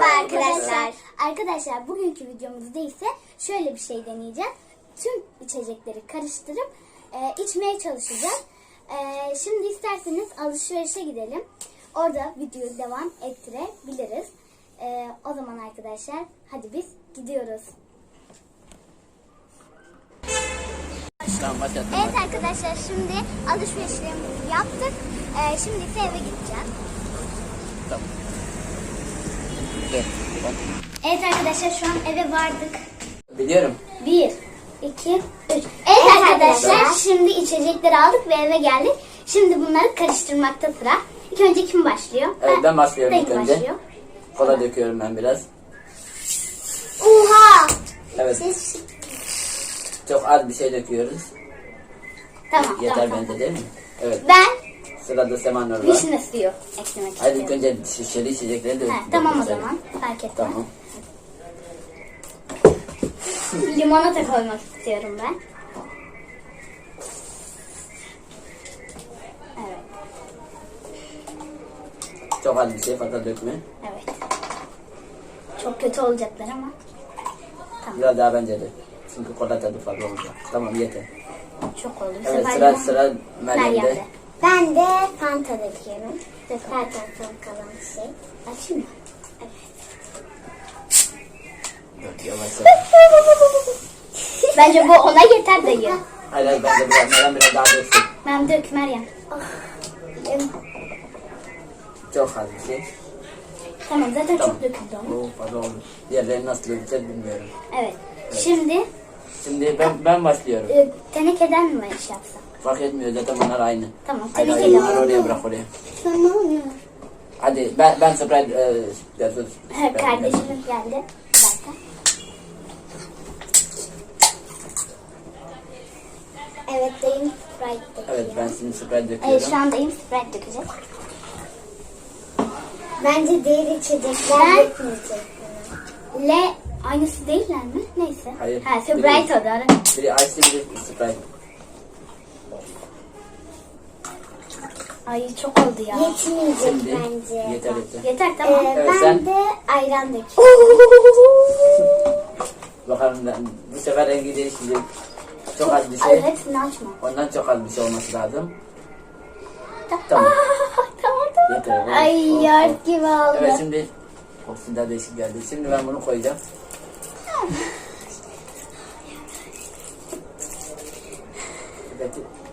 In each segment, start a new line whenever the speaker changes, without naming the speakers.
arkadaşlar. Arkadaşlar bugünkü videomuzda ise şöyle bir şey deneyeceğiz. Tüm içecekleri karıştırıp içmeye çalışacağız. Şimdi isterseniz alışverişe gidelim. Orada videoyu devam ettirebiliriz. O zaman arkadaşlar hadi biz gidiyoruz. Evet arkadaşlar şimdi alışverişlerimizi yaptık. Şimdi ise eve gideceğiz.
Tamam.
Evet arkadaşlar şu an eve vardık.
Biliyorum.
1, 2, 3. Evet arkadaşlar şimdi içecekleri aldık ve eve geldik. Şimdi bunları karıştırmakta sıra. İlk önce kim başlıyor?
Evet ben başlıyorum ilk
Dayım
önce.
başlıyor.
Kola döküyorum ben biraz.
Oha!
Evet. Çok az bir şey döküyoruz.
Tamam
Yeter
tamam.
bence değil mi? Evet.
Ben
Sırada Semanur var.
vişne suyu eklemek
Hadi
istiyorum.
ilk önce şişeli içecekleri de
Tamam o
dökelim.
zaman. Fark etmez.
Tamam.
Limonata koymak istiyorum ben. Evet.
Çok az bir şey fazla dökme.
Evet. Çok kötü olacaklar ama.
Biraz daha bence de. Çünkü kola tadı fazla olacak. Tamam yeter.
Çok oldu.
Evet
Sefer
sıra Meryem'de.
Ben de Fanta döküyorum. Zaten son kalan şey. Açayım mı?
Dur yavaş yavaş.
Bence bu ona yeter dayı.
Hayır bence Meryem biraz daha döksün.
Ben dök Meryem.
Çok az bir şey.
Tamam zaten
Tamam.
çok döküldü ama.
Oo fazla oldu. Diğerlerini nasıl dökeceğiz bilmiyorum.
Evet. Şimdi
Şimdi ben başlıyorum.
tenekeden mi iş yapsak?
Fark etmiyor zaten onlar aynı.
Tamam
Hayır,
tenekeden.
hayır, oraya bırak oraya.
Tamam.
Hadi ben Sprite yazdım.
Kardeşimiz geldi. Bir dakika. Evet dayım Sprite döküyor.
Evet ben şimdi Sprite
Evet
döküyorum.
şu an dayım Sprite dökecek.
Bence diğer içecekler dökmeyecek.
Le aynısı değiller mi? Neyse.
Hayır.
Ha Sprite o da.
Biri Ice biri Sprite.
Ay çok oldu ya.
Yetmeyecek
Şimdi
bence.
yeter.
Yeter tamam.
Evet,
Ben
sen-
de ayran döküyorum.
Bakalım bu sefer rengi değişecek. Çok az bir
Ay
şey.
hepsini açma.
Ondan çok az bir şey olması lazım.
Tamam.
Tamam.
Tamam.
Yeter.
Ay
Of,
yar
of.
gibi oldu.
Evet şimdi kokusu da değişik geldi. Şimdi ben bunu koyacağım. Evet.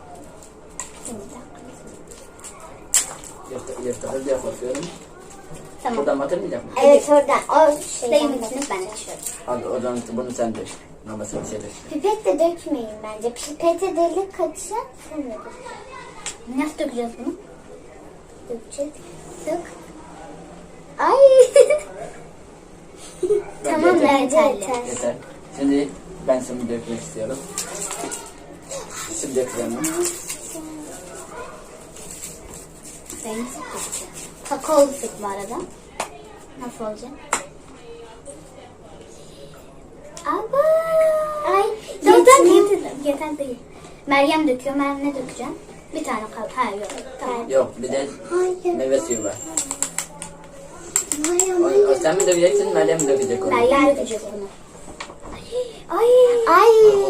Yırtılır diye korkuyorum.
Tamam.
Buradan batırmayacak mı?
Evet oradan. O şeyden
Dayımın
dök.
içine ben açıyorum.
Hadi o zaman bunu sen dök. Namasını bir şey dök.
Pipet de dökmeyin bence. Pipete delik kaçacak. Sonra dök.
Nasıl dökeceğiz bunu?
Dökecek.
Dök. Ay. Tamam
Yeter.
bence yeterli.
Yeter. Şimdi ben şimdi dökmek istiyorum. Şimdi dökeceğim.
Dayım süt dökeceğim. Kakaolu süt bu arada. Nasıl olacak? Aba. Ay. Yeter değil. Meryem döküyor. Meryem ne dökeceğim? Bir tane kaldı. Ha yok. Tamam.
Yok bir de
Hayır.
meyve suyu var.
Hayır.
O sen mi dökeceksin Meryem mi dökecek onu?
Meryem dökecek bunu. Ay.
Ay.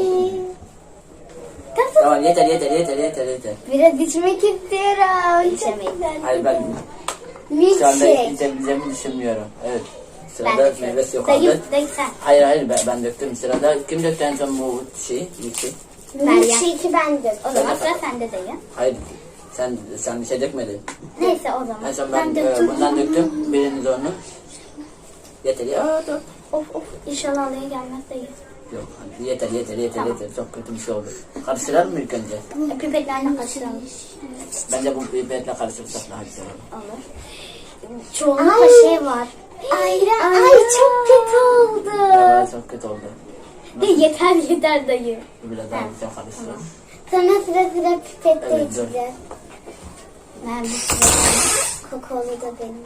Tamam yeter.
Biraz içmek istiyorum. İçemeyin.
Hayır ben şu anda içebileceğimi düşünmüyorum. Evet. Sırada meyve suyu kaldı.
Dayı sen.
Hayır ben döktüm. Sırada kim döktü en son bu şeyi? Milkshake.
Milkshake'i ben dök.
O zaman sıra sende dayı.
Hayır sen bir şey dökmedin.
Neyse o zaman.
En son ben
döktüm.
bundan döktüm. Biriniz onu. Yeter ya. Dur.
Of inşallah alaya gelmez dayı.
Yok yeter. Çok kötü bir şey oldu. Karıştıralım mı ilk önce?
Pipetlerle kaçıralım.
Bence bu pipetle karıştırırsak daha güzel olur.
Olur. Çoğunlukla
Ay.
şey var.
Ayran. Ay çok kötü oldu.
Ya, çok kötü oldu.
Yeter dayı.
Biraz daha güzel karıştıralım.
Sonra sıra pipette
Evet, dur.
içeceğiz.
Ben bir sıra.
Kakaolu da benim.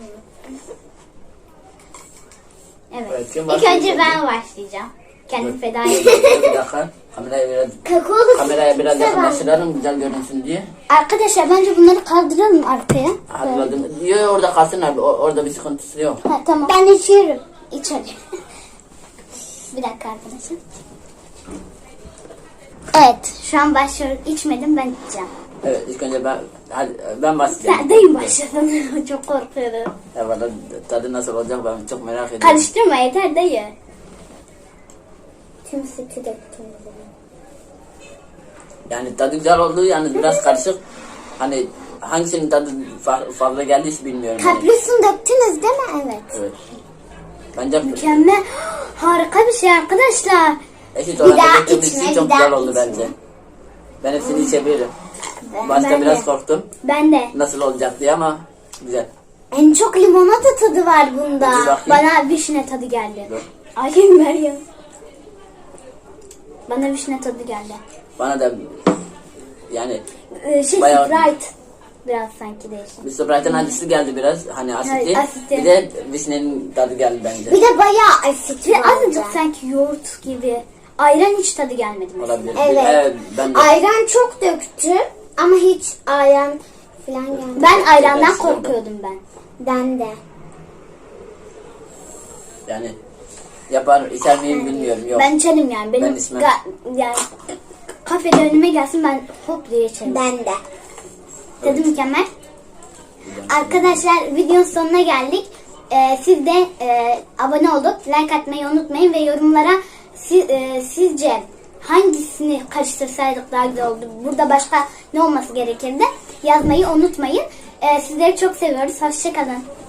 Evet.
Evet, kim
İlk
başlayacak?
önce ben başlayacağım. Kendimi
Dur.
feda edeyim.
Bir dakika. Kameraya biraz yakınlaştıralım güzel görünsün diye.
Arkadaşlar bence bunları kaldıralım arkaya.
Hazırladım. Yok orada kalsın abi. Orada bir sıkıntısı yok.
Ha, tamam.
Ben içiyorum.
iç hadi. Bir dakika arkadaşlar. Evet, şu an başlıyorum. İçmedim, ben içeceğim.
Evet, ilk önce ben başlayacağım.
Sen dayım başladın. Çok korkuyorum.
Ya valla tadı nasıl olacak ben çok merak ediyorum.
Karıştırma yeter dayı.
Tüm sütü döktüm.
Yani tadı güzel oldu, yani biraz karışık. Hani hangisinin tadı fazla geldi hiç bilmiyorum. Yani.
Kaprisini döktünüz değil mi? Evet.
Evet. Bence
Mükemmel. Harika bir şey arkadaşlar.
eşit
Bir
oranda
daha
döktüğümüz
içme,
için
bir
çok
daha
güzel oldu
içme.
bence. Ben hepsini içebilirim. Başta
ben
biraz
de.
korktum
Ben de.
nasıl olacak diye ama güzel.
En çok limonata tadı var bunda.
Bir bakayım.
Bana vişne tadı geldi.
Dur.
Ay Meryem. Bana vişne tadı geldi.
Bana da yani
Sprite.
Bayağı-
Biraz sanki değişik.
bir Sprite'ın acısı geldi biraz. Hani asitli.
Evet, asitli.
Bir de vişnenin tadı geldi bence.
Bir de bayağı asit
Ve
var.
azıcık sanki yoğurt gibi. Ayran hiç tadı gelmedi mesela.
Olabilir.
Evet.
Ben de.
Ayran çok döktü ama hiç ayran falan gelmedi.
Ben ayrandan
Biraz
korkuyordum ben.
Ben de.
Yani yapar içer miyim bilmiyorum. Yok.
Ben içerim yani. Benim
Ben içmem.
yani kafede önüme gelsin ben hop diye içerim.
Ben de.
Tadı mükemmel. Arkadaşlar videonun sonuna geldik. Siz de abone olup like atmayı unutmayın ve yorumlara sizce hangisini karıştırsaydık daha güzel oldu, burada başka ne olması gerekirdi yazmayı unutmayın. Sizleri çok seviyoruz. Hoşça kalın.